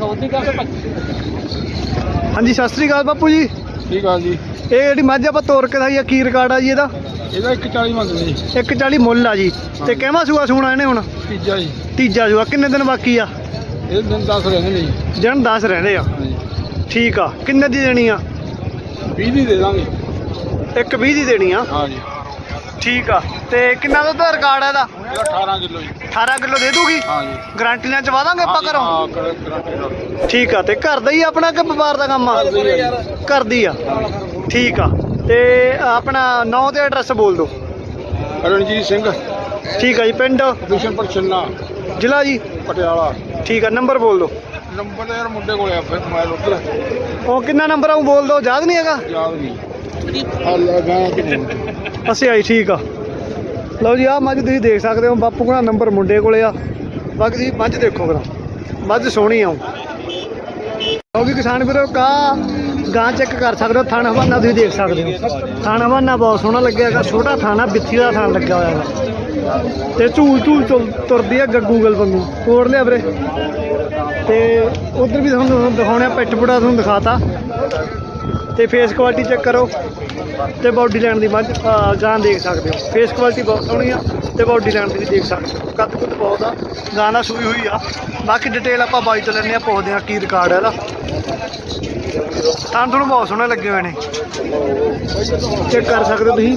A: ਹਾਂਜੀ ਸਤਿ ਸ੍ਰੀ ਅਕਾਲ ਬਾਪੂ ਜੀ।
D: ਠੀਕ ਆ ਜੀ।
A: ਇਹ ਜਿਹੜੀ ਮੱਝ ਆਪਾਂ ਤੋਰ ਕੇ ਦਾ ਕੀ ਰਿਕਾਰਡ ਆ ਜੀ ਇਹਦਾ?
D: ਇਹਦਾ ਇੱਕ ਚਾਲੀ ਮੰਗਦੇ ਜੀ।
A: ਇੱਕ ਚਾਲੀ ਮੁੱਲ ਆ ਜੀ। ਤੇ ਕਿਹੜਾ ਸੂਆ ਸੂਣਾ ਇਹਨੇ ਹੁਣ?
D: ਤੀਜਾ ਜੀ।
A: ਤੀਜਾ ਸੂਆ। ਕਿੰਨੇ ਦਿਨ ਬਾਕੀ ਆ?
D: ਇਹ ਦਿਨ ਦਸ ਰਹਿੰਦੇ ਨੇ ਜੀ।
A: ਦਿਨ ਦਸ ਰਹਿੰਦੇ ਆ। ਠੀਕ ਆ। ਕਿੰਨੇ ਦੀ ਦੇਣੀ ਆ?
D: ਵੀਹ ਦੀ ਦੇ ਦਾਂਗੇ।
A: ਇੱਕ ਵੀਹ ਦੀ ਦੇਣੀ ਆ।
D: ਹਾਂ ਜੀ।
A: ਠੀਕ ਆ। ਤੇ ਕਿੰਨਾ ਦੁੱਧ ਦਾ ਰਿਕਾਰਡ ਆ ਇਹਦਾ?
D: ਅਠਾਰਾਂ ਕਿਲੋ ਜੀ।
A: ਅਠਾਰਾਂ ਕਿਲੋ ਦੇ ਦੂਗੀ?
D: ਹਾਂ ਜੀ।
A: ਗਾਰੰਟੀ ਨਾਲ ਚਵਾ ਦਾਂਗੇ ਆਪਾਂ ਘਰੋਂ?
D: ਹਾਂ, ਗਰੰਟੀ।
A: ਠੀਕ ਆ। ਤੇ ਘਰ ਦਾ ਹੀ ਆਪਣਾ ਕਿ ਵਪਾਰ ਦਾ ਕੰਮ ਆ? ਘਰ ਦੀ ਆ। ਠੀਕ ਆ। ਤੇ ਆਪਣਾ ਨਾਂ ਤੇ ਐਡਰੈਸ ਬੋਲ ਦਿਓ।
D: ਰਣਜੀਤ ਸਿੰਘ,
A: ਠੀਕ ਆ ਜੀ। ਪਿੰਡ?
D: ਬਿਸ਼ਨਪੁਰ ਛੰਨਾ,
A: ਜ਼ਿਲ੍ਹਾ ਜੀ?
D: ਪਟਿਆਲਾ।
A: ਠੀਕ ਆ। ਨੰਬਰ ਬੋਲ ਦਿਓ।
D: ਨੰਬਰ ਤਾਂ ਯਾਰ ਮੁੰਡੇ ਕੋਲੇ ਆ, ਫਿਰ ਮੋਬਾਈਲ ਉੱਧਰ
A: ਉਹ ਕਿੰਨਾ ਨੰਬਰ ਆਉਂ ਬੋਲ ਦਿਓ, ਯਾਦ ਨਹੀਂ ਹੈਗਾ?
D: ਯਾਦ ਨਹੀਂ। ਆ ਲਗਾ ਕਿ
A: ਅਸੀਂ ਆਈ। ਠੀਕ ਆ। ਲਓ ਜੀ, ਆਹ ਮੱਝ ਤੁਸੀਂ ਦੇਖ ਸਕਦੇ ਹੋ, ਬਾਪੂ ਕੋਲ ਨੰਬਰ ਮੁੰਡੇ ਕੋਲੇ ਆ। ਬਾਕੀ ਤੁਸੀਂ ਮੱਝ ਦੇਖੋ ਕਰਾ, ਮੱਝ ਸੋਹਣੀ ਆਉ। ਲਓ ਵੀ ਕਿਸਾਨ ਵੀਰੋ, ਕਾ ਗਾਂ ਚੈੱਕ ਕਰ ਸਕਦੇ ਹੋ, ਥਣ ਹਵਾਨਾ ਤੁਸੀਂ ਦੇਖ ਸਕਦੇ ਹੋ। ਥਣ ਹਵਾਨਾ ਬਹੁਤ ਸੋਹਣਾ ਲੱਗਿਆ ਹੈਗਾ, ਛੋਟਾ ਥਾਣਾ, ਬਿੱਥੀ ਦਾ ਥਣ ਲੱਗਿਆ ਹੋਇਆ ਹੈਗਾ। ਤੇ ਝੂਲ ਝੂਲ ਚੁਲ ਤੁਰਦੀ ਆ ਗੱਗੂ ਗਲ ਵਾਂਗੂ। ਤੋੜ ਲਿਆ ਵੀਰੇ। ਤੇ ਉਧਰ ਵੀ ਤੁਹਾਨੂੰ ਦਿਖਾਉਣਾ, ਪਿੱਠ ਪੁੜਾ ਤੁਹਾਨੂੰ ਦਿਖਾਤਾ। ਤੇ ਫੇਸ ਕੁਆਲਿਟੀ ਚੈੱਕ ਕਰੋ, ਤੇ ਬਾਡੀ ਲਾਈਨ ਦੀ ਮੱਝ ਗਾਂ ਦੇਖ ਸਕਦੇ ਹੋ। ਫੇਸ ਕੁਆਲਿਟੀ ਬਹੁਤ ਸੋਹਣੀ ਆ, ਤੇ ਬਾਡੀ ਲਾਈਨ ਦੀ ਵੀ ਦੇਖ ਸਕਦੇ ਹੋ। ਕੱਦ ਕੁੱਦ ਬਹੁਤ ਆ, ਗਾਂ ਨਾਲ ਸੂਈ ਹੋਈ ਆ। ਬਾਕੀ ਡਿਟੇਲ ਆਪਾਂ ਬਾਈ ਤੋਂ ਲੈਂਦੇ ਆ, ਪੁੱਛਦੇ ਆ ਕੀ ਰਿਕਾਰਡ ਹੈ ਇਹਦਾ। ਤਾਂ ਤੁਹਾਨੂੰ ਬਹੁਤ ਸੋਹਣੇ ਲੱਗੇ ਹੋਏ ਨੇ, ਚੈੱਕ ਕਰ ਸਕਦੇ ਹੋ ਤੁਸੀਂ।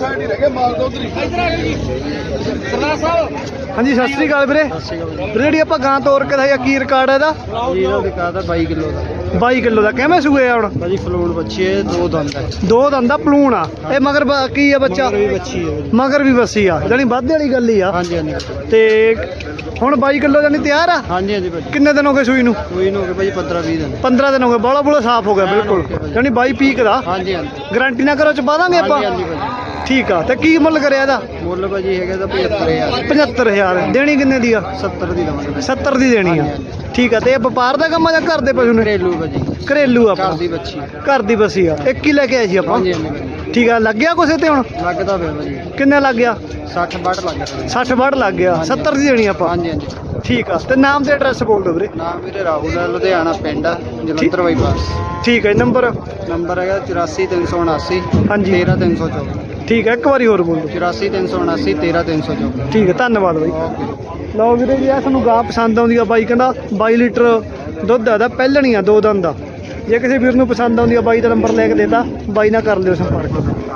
A: ਹਾਂਜੀ ਸਤਿ ਸ੍ਰੀ ਅਕਾਲ ਵੀਰੇ। ਵੀਰੇ ਜਿਹੜੀ ਆਪਾਂ ਗਾਂ ਤੋਰ ਕੇ ਦਾ ਕੀ ਰਿਕਾਰਡ ਹੈ ਇਹਦਾ?
C: ਇਹਦਾ ਰਿਕਾਰਡ ਹੈ ਬਾਈ ਕਿਲੋ ਦਾ।
A: ਬਾਈ ਕਿਲੋ ਦਾ। ਕਿਵੇਂ ਸੂਏ ਆ ਹੁਣ?
C: ਭਾਜੀ ਫਲੂਣ ਬੱਚੀ ਹੈ, ਦੋ ਦੰਦ ਹੈ।
A: ਦੋ ਦੰਦਾ ਪਲੂਣ ਆ ਇਹ। ਮਗਰ ਬ- ਕੀ ਆ ਬੱਚਾ?
C: ਵੀ ਬੱਚੀ ਹੈ।
A: ਮਗਰ ਵੀ ਬੱਸੀ ਆ, ਜਾਨੀ ਵਾਧੇ ਵਾਲੀ ਗੱਲ ਹੀ ਆ।
C: ਹਾਂਜੀ ਹਾਂਜੀ।
A: ਤੇ ਹੁਣ ਬਾਈ ਕਿਲੋ ਜਾਨੀ ਤਿਆਰ ਆ?
C: ਹਾਂਜੀ ਹਾਂਜੀ ਭਾਜੀ।
A: ਕਿੰਨੇ ਦਿਨ ਹੋ ਗਏ ਸੂਈ ਨੂੰ?
C: ਕੋਈ ਨਾ ਹੋ ਗਿਆ ਭਾਜੀ ਪੰਦਰਾਂ ਵੀਹ ਦਿਨ।
A: ਪੰਦਰਾਂ ਦਿਨ ਹੋ ਗਏ। ਬਾਲਾ ਬੂਲਾ ਸਾਫ਼ ਹੋ ਗਿਆ ਬਿਲਕੁਲ, ਜਾਨੀ ਬਾਈ ਪੀਕ ਦਾ।
C: ਹਾਂਜੀ ਹਾਂਜੀ।
A: ਗਾਰੰਟੀ ਨਾ ਕਰੋ, ਚ ਪਾ ਦਾਂਗੇ ਆਪਾਂ?
C: ਹਾਂਜੀ ਹਾਂਜੀ ਭਾਜੀ।
A: ਠੀਕ ਆ। ਤੇ ਕੀ ਮੁੱਲ ਕਰਿਆ ਇਹਦਾ?
C: ਮੁੱਲ ਭਾਜੀ ਹੈਗਾ ਤਾਂ ਪਝੱਤਰ ਹਜ਼ਾਰ।
A: ਪਝੱਤਰ ਹਜ਼ਾਰ। ਦੇਣੀ ਕਿੰਨੇ ਦੀ ਆ?
C: ਸੱਤਰ ਦੀ ਦਵਾਂਗੇ।
A: ਸੱਤਰ ਦੀ ਦੇਣੀ ਆ। ਠੀਕ ਆ। ਤੇ ਇਹ ਵਪਾਰ ਦਾ ਕੰਮ ਆ ਜਾਂ ਘਰ ਦੇ ਪਸ਼ੂ ਨੇ?
C: ਘਰੇਲੂ ਭਾਜੀ।
A: ਘਰੇਲੂ
C: ਘਰ
A: ਆਪਣਾ
C: ਦੀ ਬੱਚੀ।
A: ਘਰ ਦੀ ਬੱਸੀ ਆ। ਇੱਕ ਹੀ ਲੈ ਕੇ ਆਏ ਸੀ ਆਪਾਂ।
C: ਹਾਂਜੀ ਹਾਂਜੀ।
A: ਠੀਕ ਆ। ਲੱਗਿਆ ਕੁਛ ਤੇ ਹੁਣ?
C: ਲੱਗਦਾ ਪਿਆ ਭਾਜੀ।
A: ਕਿੰਨੇ ਲੱਗ ਗਿਆ?
C: ਸੱਠ ਵੱਟ ਲੱਗ ਗਿਆ।
A: ਸੱਠ ਵੱਟ ਲੱਗ ਗਿਆ। ਸੱਤਰ ਦੀ ਦੇਣੀ ਆਪਾਂ।
C: ਹਾਂਜੀ ਹਾਂਜੀ।
A: ਠੀਕ ਆ। ਤੇ ਨਾਮ ਤੇ ਐਡਰੈਸ ਬੋਲ ਦਿਓ ਵੀਰੇ।
C: ਨਾਮ ਵੀਰੇ ਰਾਹੁਲ ਹੈ, ਲੁਧਿਆਣਾ ਪਿੰਡ ਆ, ਜਲੰਧਰ ਬਾਈਪਾਸ।
A: ਠੀਕ ਹੈ। ਨੰਬਰ?
C: ਨੰਬਰ ਹੈਗਾ ਚੁਰਾਸੀ ਤਿੰਨ ਸੌ ਉਨਾਸੀ
A: ਹਾਂਜੀ।
C: ਤੇਰ੍ਹਾਂ ਤਿੰਨ ਸੌ ਚੌਵੀ।
A: ਠੀਕ ਹੈ, ਇੱਕ ਵਾਰੀ ਹੋਰ ਬੋਲੋ।
E: ਚੁਰਾਸੀ ਤਿੰਨ ਸੌ ਉਨਾਸੀ ਤੇਰ੍ਹਾਂ ਤਿੰਨ ਸੌ ਚੌਵੀ।
A: ਠੀਕ ਹੈ, ਧੰਨਵਾਦ ਬਾਈ। ਲਓ ਵੀਰੇ ਜੀ, ਆ ਤੁਹਾਨੂੰ ਗਾਂ ਪਸੰਦ ਆਉਂਦੀ ਆ, ਬਾਈ ਕਹਿੰਦਾ ਬਾਈ ਲੀਟਰ ਦੁੱਧ ਆ, ਇਹਦਾ ਪਹਿਲਣੀ ਆ ਦੋ ਦਿਨ ਦਾ। ਜੇ ਕਿਸੇ ਵੀਰ ਨੂੰ ਪਸੰਦ ਆਉਂਦੀ ਆ, ਬਾਈ ਦਾ ਨੰਬਰ ਲੈ ਕੇ ਦੇਤਾ, ਬਾਈ ਨਾਲ ਕਰ ਲਿਓ ਸੰਪਰਕ।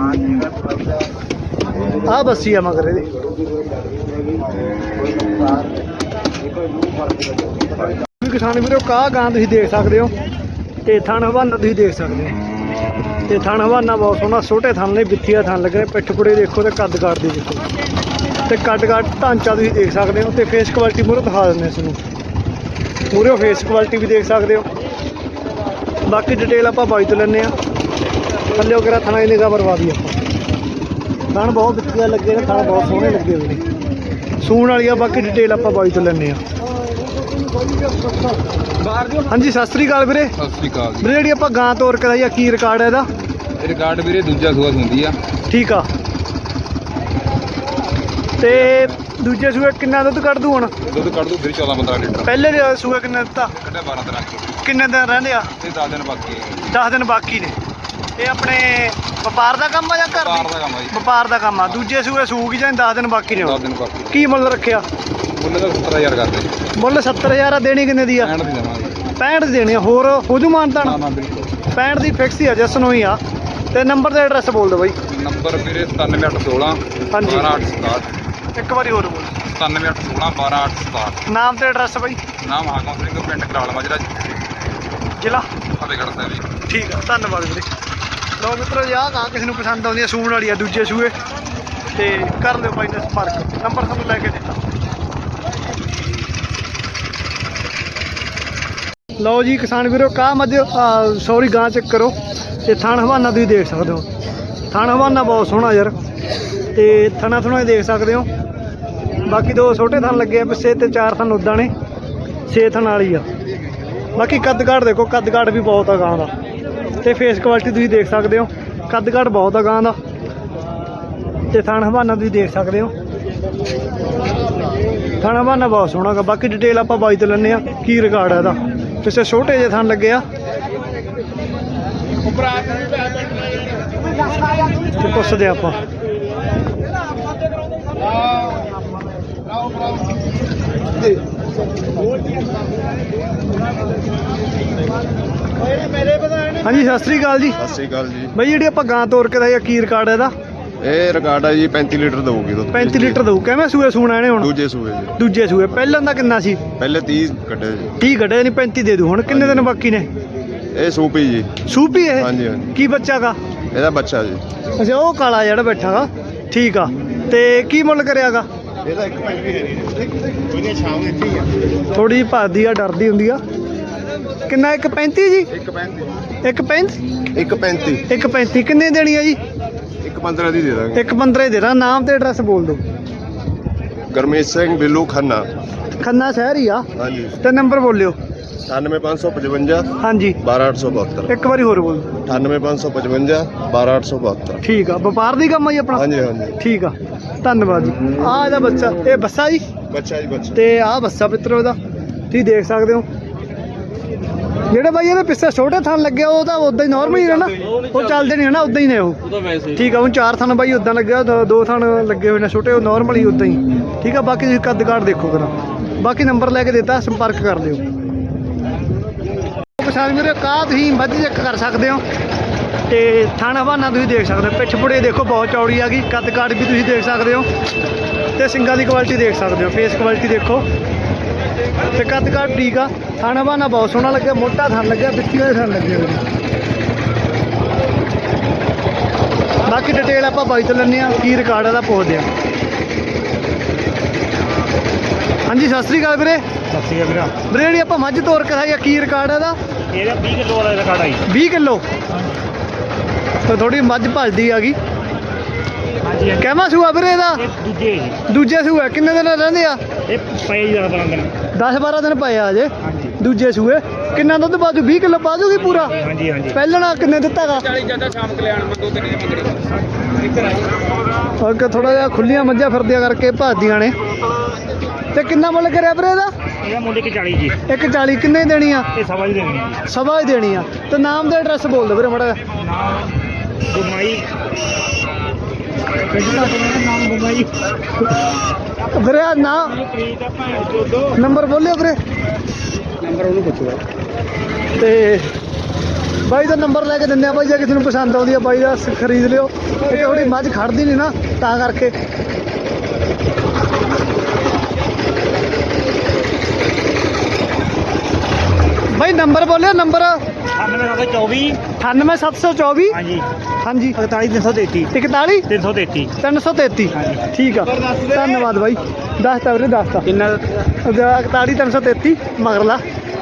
A: ਆ ਬੱਸੀ ਆ ਮਗਰ ਇਹਦੇ। ਵੀ ਕਿਸਾਨ ਵੀਰੋ, ਕਾਹ ਗਾਂ ਤੁਸੀਂ ਦੇਖ ਸਕਦੇ ਹੋ, ਤੇ ਥਣ ਹਵਾਨਾ ਤੁਸੀਂ ਦੇਖ ਸਕਦੇ ਹੋ। ਤੇ ਥਣ ਹਵਾਨਾ ਬਹੁਤ ਸੋਹਣਾ, ਛੋਟੇ ਥਣ ਨੇ, ਬਿੱਥੀਆ ਥਣ ਲੱਗੇ ਨੇ, ਪਿੱਠ ਪੁੜੇ ਦੇਖੋ ਤੇ ਕੱਦ ਕਾਠ ਦੀ ਦੇਖੋ, ਤੇ ਕੱਦ ਕਾਠ ਢਾਂਚਾ ਤੁਸੀਂ ਦੇਖ ਸਕਦੇ ਹੋ। ਤੇ ਫੇਸ ਕੁਆਲਿਟੀ ਮੂਹਰੇ ਦਿਖਾ ਦਿੰਦੇ ਇਸ ਨੂੰ, ਮੂਹਰੇ ਫੇਸ ਕੁਆਲਿਟੀ ਵੀ ਦੇਖ ਸਕਦੇ ਹੋ। ਬਾਕੀ ਡਿਟੇਲ ਆਪਾਂ ਬਾਈ ਤੋਂ ਲੈਂਦੇ ਹਾਂ। ਥੱਲੇ ਵਗੈਰਾ ਥਣਾ ਦੀ ਨਿਗਾਹ ਮਰਵਾ ਦੀ ਆਪਾਂ। ਥਣ ਬਹੁਤ ਬਿੱਥੀਆ ਲੱਗੇ ਨੇ, ਥਣ ਬਹੁਤ ਸੋਹਣੇ ਲੱਗੇ ਹੋਏ ਨੇ, ਸੂਣ ਵਾਲੀ ਆ। ਬਾਕੀ ਡਿਟੇਲ ਆਪਾਂ ਬਾਈ ਤੋਂ ਲੈਂਦੇ ਹਾਂ। ਹਾਂਜੀ, ਸਤਿ ਸ੍ਰੀ ਅਕਾਲ ਵੀਰੇ।
D: ਸਤਿ ਸ੍ਰੀ ਅਕਾਲ ਜੀ।
A: ਵੀਰੇ ਜਿਹੜੀ ਆਪਾਂ ਗਾਂ ਤੋਰ ਕਰਾਈ ਆ, ਕੀ ਰਿਕਾਰਡ ਹੈ ਇਹਦਾ?
D: ਇਹ ਰਿਕਾਰਡ ਵੀਰੇ ਦੂਜਾ ਸੂਆ ਹੁੰਦੀ ਆ।
A: ਠੀਕ ਆ। ਤੇ ਦੂਜੇ ਸੂਏ ਕਿੰਨਾ ਦੁੱਧ ਕੱਢ ਦੂ ਹੁਣ?
D: ਦੁੱਧ ਕੱਢ ਦੂ ਵੀਰੇ ਚੌਦਾਂ ਪੰਦਰਾਂ ਲੀਟਰ।
A: ਪਹਿਲੇ ਸੂਏ ਕਿੰਨਾ ਦਿੱਤਾ?
D: ਕੱਢਿਆ ਬਾਰਾਂ ਦਿਨਾਂ ਚ।
A: ਕਿੰਨੇ ਦਿਨ ਰਹਿੰਦੇ ਆ?
D: ਇਹ ਦਸ ਦਿਨ ਬਾਕੀ ਹੈ।
A: ਦਸ ਦਿਨ ਬਾਕੀ ਨੇ। ਇਹ ਆਪਣੇ ਵਪਾਰ ਦਾ ਕੰਮ ਆ ਜਾਂ ਘਰ
D: ਵਪਾਰ
A: ਦੀ?
D: ਦਾ ਕੰਮ ਆ ਜੀ।
A: ਵਪਾਰ ਦਾ ਕੰਮ ਆ। ਦੂਜੇ ਸੂਏ ਸੂਕ ਹੀ ਜਾਂ ਦਸ ਦਿਨ ਬਾਕੀ ਨੇ
D: ਦਸ
A: ਹੁਣ?
D: ਦਿਨ ਬਾਕੀ।
A: ਕੀ ਮੁੱਲ ਰੱਖਿਆ?
D: ਮੁੱਲ ਦਾ ਸੱਤਰ ਹਜ਼ਾਰ ਕਰਦੇ।
A: ਮੁੱਲ ਸੱਤਰ ਹਜ਼ਾਰ ਆ। ਦੇਣੀ ਕਿੰਨੇ ਦੀ ਆ?
D: ਪੈਂਹਠ ਦੀ ਦੇਵਾਂਗੇ।
A: ਪੈਂਹਠ ਦੀ ਦੇਣੀ ਆ। ਹੋਰ ਹੋ ਜੂ ਮਾਨਤਾ?
D: ਨਾ ਨਾ ਬਿਲਕੁਲ।
A: ਪੈਂਹਠ ਦੀ ਫਿਕਸ ਹੀ ਆ, ਜਸ ਨੂੰ ਹੀ ਆ। ਤੇ ਨੰਬਰ ਤੇ ਐਡਰੈਸ ਬੋਲ ਦਿਓ ਬਾਈ।
D: ਨੰਬਰ ਵੀਰੇ ਸਤਾਨਵੇਂ ਅੱਠ ਸੋਲਾਂ
A: ਹਾਂਜੀ।
D: ਬਾਰਾਂ ਅੱਠ ਸਤਾਹਠ।
A: ਇੱਕ ਵਾਰੀ ਹੋਰ ਬੋਲ।
D: ਸਤਾਨਵੇਂ ਅੱਠ ਸੋਲਾਂ ਬਾਰਾਂ ਅੱਠ ਸਤਾਹਠ।
A: ਨਾਮ ਤੇ ਐਡਰੈਸ ਬਾਈ?
D: ਨਾਮ ਹਾਕਮ ਸਿੰਘ, ਪਿੰਡ ਕਰਾਲ ਮਾਜਰਾ,
A: ਜ਼ਿਲ੍ਹਾ
D: ਫਤਿਹਗੜ੍ਹ ਸਾਹਿਬ ਜੀ।
A: ਠੀਕ ਆ, ਧੰਨਵਾਦ ਵੀਰੇ। ਲਓ ਮਿੱਤਰੋ, ਆਹ ਗਾਂ ਕਿਸੇ ਨੂੰ ਪਸੰਦ ਆਉਂਦੀ ਆ, ਸੂਣ ਵਾਲੀ ਆ, ਦੂਜੇ ਸੂਏ, ਤੇ ਕਰ ਲਿਓ ਬਾਈ ਨਾਲ ਸੰਪਰਕ। ਨੰਬਰ ਤੁਹਾਨੂੰ ਲੈ ਕੇ ਦਿੱਤਾ। ਲਓ ਜੀ ਕਿਸਾਨ ਵੀਰੋ, ਕਾਹ ਮੱਝ ਸੌਰੀ ਗਾਂ ਚੈੱਕ ਕਰੋ। ਤੇ ਥਣ ਹਵਾਨਾ ਤੁਸੀਂ ਦੇਖ ਸਕਦੇ ਹੋ। ਥਣ ਹਵਾਨਾ ਬਹੁਤ ਸੋਹਣਾ ਯਾਰ, ਤੇ ਥਣਾ ਥੁਣਾ ਦੇਖ ਸਕਦੇ ਹੋ। ਬਾਕੀ ਦੋ ਛੋਟੇ ਥਣ ਲੱਗੇ ਆ ਪਿੱਛੇ, ਤੇ ਚਾਰ ਥਣ ਉੱਦਾਂ ਨੇ, ਛੇ ਥਣ ਵਾਲੀ ਆ। ਬਾਕੀ ਕੱਦ ਕਾਠ ਦੇਖੋ, ਕੱਦ ਕਾਠ ਵੀ ਬਹੁਤ ਆ ਗਾਂ ਦਾ। ਤੇ ਫੇਸ ਕੁਆਲਿਟੀ ਤੁਸੀਂ ਦੇਖ ਸਕਦੇ ਹੋ, ਕੱਦ ਕਾਠ ਬਹੁਤ ਆ ਗਾਂ ਦਾ। ਤੇ ਥਣ ਹਵਾਨਾ ਤੁਸੀਂ ਦੇਖ ਸਕਦੇ ਹੋ, ਥਣ ਹਵਾਨਾ ਬਹੁਤ ਸੋਹਣਾ ਗਾ। ਬਾਕੀ ਡਿਟੇਲ ਆਪਾਂ ਬਾਈ ਤੋਂ ਲੈਂਦੇ ਆ, ਕੀ ਰਿਕਾਰਡ ਹੈ ਇਹਦਾ। ਪਿੱਛੇ ਛੋਟੇ ਜਿਹੇ ਥਣ ਲੱਗੇ ਆ, ਤੇ ਪੁੱਛਦੇ ਆਪਾਂ। ਹਾਂਜੀ, ਸਤਿ ਸ੍ਰੀ ਅਕਾਲ ਜੀ।
F: ਸਤਿ ਸ਼੍ਰੀ ਅਕਾਲ ਜੀ।
A: ਬਾਈ ਜਿਹੜੀ ਆਪਾਂ ਗਾਂ ਤੋਰ ਕੇ ਦਾ ਕੀ ਰਿਕਾਰਡ ਹੈ ਇਹਦਾ?
F: ਇਹ ਰਿਕਾਰਡ ਹੈ ਜੀ ਪੈਂਤੀ ਲੀਟਰ ਦਊਗੀ ਦੁੱਧ।
A: ਪੈਂਤੀ ਲੀਟਰ ਦਊ। ਕਿਵੇਂ ਸੂਏ ਸੂਣਾ ਇਹਨੇ ਹੁਣ?
F: ਦੂਜੇ ਸੂਏ ਜੀ।
A: ਦੂਜੇ ਸੂਏ। ਪਹਿਲਾਂ ਦਾ ਕਿੰਨਾ ਸੀ?
F: ਪਹਿਲੇ ਤੀਹ ਕੱਢੇ ਜੀ।
A: ਤੀਹ ਕੱਢਿਆ, ਨਹੀਂ ਪੈਂਤੀ ਦੇ ਦੂ। ਹੁਣ ਕਿੰਨੇ ਦਿਨ ਬਾਕੀ ਨੇ?
F: ਇਹ ਸੂਪੀ ਜੀ।
A: ਸੂਪੀ ਇਹ?
F: ਹਾਂਜੀ ਹਾਂਜੀ।
A: ਕੀ ਬੱਚਾ ਗਾ?
F: ਇਹਦਾ ਬੱਚਾ ਜੀ।
A: ਅੱਛਾ, ਉਹ ਕਾਲਾ ਜਿਹੜਾ ਬੈਠਾ ਗਾ। ਠੀਕ ਆ। ਤੇ ਕੀ ਮੁੱਲ ਕਰਿਆਗਾ?
F: ਇਹਦਾ ਇੱਕ ਪੈਂਤੀ ਹੈ ਜੀ। ਸ਼ਾਮ ਦਿੱਤੀ ਆ।
A: ਥੋੜੀ ਭੱਜਦੀ ਆ, ਡਰਦੀ ਹੁੰਦੀ ਆ। ਕਿੰਨਾ? ਇੱਕ ਪੈਂਤੀ ਜੀ?
F: ਇੱਕ ਪੈਂਤੀ।
A: ਇੱਕ ਪੈਂਤੀ?
F: ਇੱਕ ਪੈਂਤੀ।
A: ਇੱਕ ਪੈਂਤੀ ਕਿੰਨੇ ਦੇਣੀ ਆ ਜੀ?
F: ਇੱਕ ਪੰਦਰਾਂ ਦੀ ਦੇ ਦਾਂਗੇ।
A: ਇੱਕ ਪੰਦਰਾਂ ਹੀ ਦੇਣਾ। ਨਾਮ ਤੇ ਐਡਰੈਸ ਬੋਲ ਦਿਓ।
F: ਗਰਮੇਸ਼ ਸਿੰਘ ਬਿੱਲੂ ਖੰਨਾ।
A: ਖੰਨਾ ਸ਼ਹਿਰ ਹੀ ਆ।
F: ਹਾਂਜੀ।
A: ਤੇ ਨੰਬਰ ਬੋਲਿਓ।
F: ਅਠਾਨਵੇਂ ਪੰਜ ਸੌ ਪਚਵੰਜਾ
A: ਹਾਂਜੀ।
F: ਬਾਰਾਂ ਅੱਠ ਸੌ ਬਹੱਤਰ।
A: ਇੱਕ ਵਾਰੀ ਹੋਰ ਬੋਲ।
F: ਅਠਾਨਵੇਂ ਪੰਜ ਸੌ ਪਚਵੰਜਾ ਬਾਰਾਂ ਅੱਠ ਸੌ ਬਹੱਤਰ।
A: ਠੀਕ ਆ। ਵਪਾਰ ਦੀ ਕੰਮ ਆ ਜੀ ਆਪਣਾ?
F: ਹਾਂਜੀ ਹਾਂਜੀ।
A: ਠੀਕ ਆ, ਧੰਨਵਾਦ ਜੀ। ਆਹ ਇਹਦਾ ਬੱਚਾ, ਇਹ ਬੱਸਾ ਜੀ,
F: ਬੱਚਾ ਜੀ ਬੱਚਾ।
A: ਤੇ ਆਹ ਬੱਸਾ ਮਿੱਤਰੋ ਇਹਦਾ ਤੁਸੀਂ ਦੇਖ ਸਕਦੇ ਹੋ। ਜਿਹੜੇ ਬਾਈ ਇਹਦੇ ਪਿੱਛੇ ਛੋਟੇ ਥਣ ਲੱਗਿਆ, ਉਹ ਤਾਂ ਉਦਾਂ ਹੀ ਨਾਰਮਲ ਹੀ ਹੈ ਨਾ, ਉਹ ਚੱਲਦੇ ਨਹੀਂ ਹੈ ਨਾ, ਉਦਾਂ ਹੀ ਨੇ ਉਹ। ਠੀਕ ਆ। ਹੁਣ ਚਾਰ ਥਣ ਬਾਈ ਉਦਾਂ ਲੱਗਿਆ, ਦੋ- ਦੋ ਥਣ ਲੱਗੇ ਹੋਏ ਨੇ ਛੋਟੇ, ਉਹ ਨਾਰਮਲ ਹੀ ਉਦਾਂ ਹੀ। ਠੀਕ ਆ। ਬਾਕੀ ਤੁਸੀਂ ਕੱਦ ਕਾਠ ਦੇਖੋ ਕਰਾਂ। ਬਾਕੀ ਨੰਬਰ ਲੈ ਕੇ ਦਿੱਤਾ, ਸੰਪਰਕ ਕਰ ਲਿਓ। ਕਿਸਾਨ ਵੀਰੇ, ਕਾਹ ਤੁਸੀਂ ਮੱਝ ਚੈੱਕ ਕਰ ਸਕਦੇ ਹੋ, ਤੇ ਥਣ ਹਵਾਨਾ ਤੁਸੀਂ ਦੇਖ ਸਕਦੇ ਹੋ। ਪਿੱਛ ਪੁੜੇ ਦੇਖੋ ਬਹੁਤ ਚੌੜੀ ਆ ਗਈ। ਕੱਦ ਕਾਠ ਵੀ ਤੁਸੀਂ ਦੇਖ ਸਕਦੇ ਹੋ, ਤੇ ਸਿੰਗਾਂ ਦੀ ਕੁਆਲਿਟੀ ਦੇਖ ਸਕਦੇ ਹੋ। ਫੇਸ ਕੁਆਲਿਟੀ ਦੇਖੋ, ਤੇ ਕੱਦ ਕਾਠ ਠੀਕ ਆ। ਥਣ ਹਵਾਨਾ ਬਹੁਤ ਸੋਹਣਾ ਲੱਗਿਆ, ਮੋਟਾ ਥਣ ਲੱਗਿਆ, ਵਿੱਚੀ ਵਾਲੇ ਥਣ ਲੱਗੇ ਹੋਏ ਨੇ। ਬਾਕੀ ਡਿਟੇਲ ਆਪਾਂ ਬਾਈ ਤੋਂ ਲੈਂਦੇ ਆ, ਕੀ ਰਿਕਾਰਡ ਇਹਦਾ ਪੁੱਛਦੇ ਆ। ਹਾਂਜੀ, ਸਤਿ ਸ੍ਰੀ ਅਕਾਲ ਵੀਰੇ।
E: ਸਤਿ ਸ਼੍ਰੀ ਅਕਾਲ ਵੀਰਾ।
A: ਵੀਰੇ ਜਿਹੜੀ ਆਪਾਂ ਮੱਝ ਤੋਰ ਕੇ ਖਾਈ ਆ, ਕੀ ਰਿਕਾਰਡ ਇਹਦਾ?
E: ਇਹਦਾ ਵੀਹ ਕਿਲੋ ਵਾਲਾ ਰਿਕਾਰਡ ਆਈ।
A: ਵੀਹ ਕਿਲੋ। ਤੇ ਥੋੜੀ ਮੱਝ ਭੱਜਦੀ ਆ ਗਈ।
E: ਹਾਂਜੀ।
A: ਕਹਿਮਾ ਸੂਆ ਵੀਰੇ ਇਹਦਾ?
E: ਇਹ ਦੂਜੇ ਜੀ।
A: ਦੂਜੇ ਸੂਏ ਕਿੰਨੇ ਦਿਨ ਰਹਿੰਦੇ ਆ?
E: ਇਹ ਪਏ ਦਸ ਬਾਰਾਂ ਦਿਨ।
A: ਦਸ ਬਾਰਾਂ ਦਿਨ ਪਏ ਆ ਅਜੇ।
E: ਹਾਂਜੀ
A: ਦੂਜੇ ਸੂਏ। ਕਿੰਨਾ ਦੁੱਧ ਬਾਜੂ? ਵੀਹ ਕਿਲੋ ਬਾਜੂਗੀ ਪੂਰਾ?
E: ਹਾਂਜੀ ਹਾਂਜੀ।
A: ਪਹਿਲਣਾ ਕਿੰਨੇ ਦਿੱਤਾਗਾ?
D: ਚਾਲੀ ਜਿਆਦਾ ਸ਼ਾਮ ਕਲਿਆਣ ਮੰਗੋ ਤੇ ਨਹੀਂ ਮੰਗਣੀ। ਇੱਧਰ ਆਓ।
A: ਅੱਗੇ ਥੋੜਾ ਜਿਹਾ ਖੁੱਲੀਆਂ ਮੱਝਾਂ ਫਿਰਦੀਆਂ ਕਰਕੇ ਭੱਜਦੀਆਂ ਨੇ। ਤੇ ਕਿੰਨਾ ਮੁੱਲ ਕਰਿਆ ਵੀਰੇ ਇਹਦਾ?
E: ਇਹਦਾ ਮੁੱਲ ਇੱਕ ਚਾਲੀ ਜੀ।
A: ਇੱਕ ਚਾਲੀ। ਕਿੰਨੇ ਦੇਣੀ ਆ?
E: ਇਹ ਸਵਾ ਹੀ ਦੇਣੀ ਹੈ।
A: ਸਵਾ ਹੀ ਦੇਣੀ ਆ। ਤੇ ਨਾਮ ਦਾ ਐਡਰੈਸ ਬੋਲ ਦਿਓ ਵੀਰੇ ਮਾੜਾ ਜਿਹਾ।
E: ਨਾਮ ਗੁਰਮਾਈ ਨਾਮ ਬੁੰਗਾ ਜੀ
A: ਵੀਰੇ ਆਹ ਨਾ
E: ਪ੍ਰੀਤ ਆ ਭਾਂ ਚੋਦੋ
A: ਨੰਬਰ ਬੋਲਿਓ ਵੀਰੇ।
F: ਨੰਬਰ ਉਹਨੂੰ ਪੁੱਛੋ
A: ਤੇ ਬਾਈ ਦਾ ਨੰਬਰ ਲੈ ਕੇ ਦਿੰਦੇ ਆ ਬਾਈ, ਜੇ ਕਿਸੇ ਨੂੰ ਪਸੰਦ ਆਉਂਦੀ ਆ ਬਾਈ ਦਾ ਸ- ਖਰੀਦ ਲਿਓ। ਇਹ ਥੋੜੀ ਮੱਝ ਖੜਦੀ ਨਹੀਂ ਨਾ ਤਾਂ ਕਰਕੇ। ਬਾਈ ਨੰਬਰ ਬੋਲਿਓ ਨੰਬਰ।
E: ਅਠਾਨਵੇਂ ਸੱਤ ਸੌ ਚੌਵੀ
A: ਅਠਾਨਵੇਂ ਸੱਤ ਸੌ ਚੌਵੀ
E: ਹਾਂਜੀ
A: ਹਾਂਜੀ
E: ਇਕਤਾਲੀ ਤਿੰਨ ਸੌ ਤੇਤੀ
A: ਇਕਤਾਲੀ
E: ਤਿੰਨ ਸੌ ਤੇਤੀ
A: ਤਿੰਨ ਸੌ ਤੇਤੀ
E: ਹਾਂਜੀ।
A: ਠੀਕ ਆ, ਧੰਨਵਾਦ ਬਾਈ। ਦੱਸਤਾ ਵੀਰੇ ਦੱਸਤਾ
E: ਕਿੰਨਾ
A: ਇਕਤਾਲੀ ਤਿੰਨ ਸੌ ਤੇਤੀ ਮਗਰਲਾ।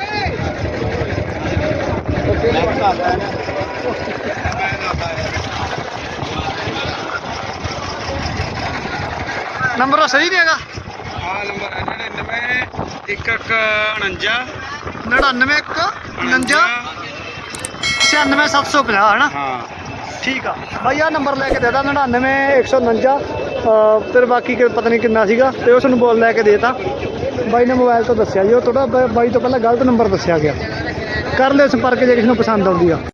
A: ਨੰਬਰ ਸਹੀ ਨਹੀਂ ਹੈਗਾ।
F: ਆ ਨੰਬਰ ਹੈ ਨੜਿਨਵੇਂ ਇੱਕ ਇੱਕ ਉਣੰਜਾ
A: ਨੜਿਨਵੇਂ ਇੱਕ ਉਣੰਜਾ ਛਿਆਨਵੇਂ ਸੱਤ ਸੌ ਪੰਜਾਹ ਹੈ ਨਾ।
F: ਹਾਂ
A: ਠੀਕ ਆ ਬਾਈ, ਆਹ ਨੰਬਰ ਲੈ ਕੇ ਦੇ ਤਾ ਨੜਿਨਵੇਂ ਇੱਕ ਸੌ ਉਣੰਜਾ ਤੇ ਬਾਕੀ ਕਿ ਪਤਾ ਨਹੀਂ ਕਿੰਨਾ ਸੀਗਾ, ਤੇ ਉਸ ਨੂੰ ਬੋਲ ਲੈ ਕੇ ਦੇ ਤਾ ਬਾਈ ਨੇ। ਮੋਬਾਈਲ ਤੋਂ ਦੱਸਿਆ ਜੀ, ਉਹ ਥੋੜਾ ਬਾਈ ਤੋਂ ਪਹਿਲਾਂ ਗਲਤ ਨੰਬਰ ਦੱਸਿਆ ਗਿਆ। ਕਰ ਲਿਓ ਸੰਪਰਕ ਜੇ ਕਿਸੇ ਨੂੰ ਪਸੰਦ ਆਉਂਦੀ ਆ।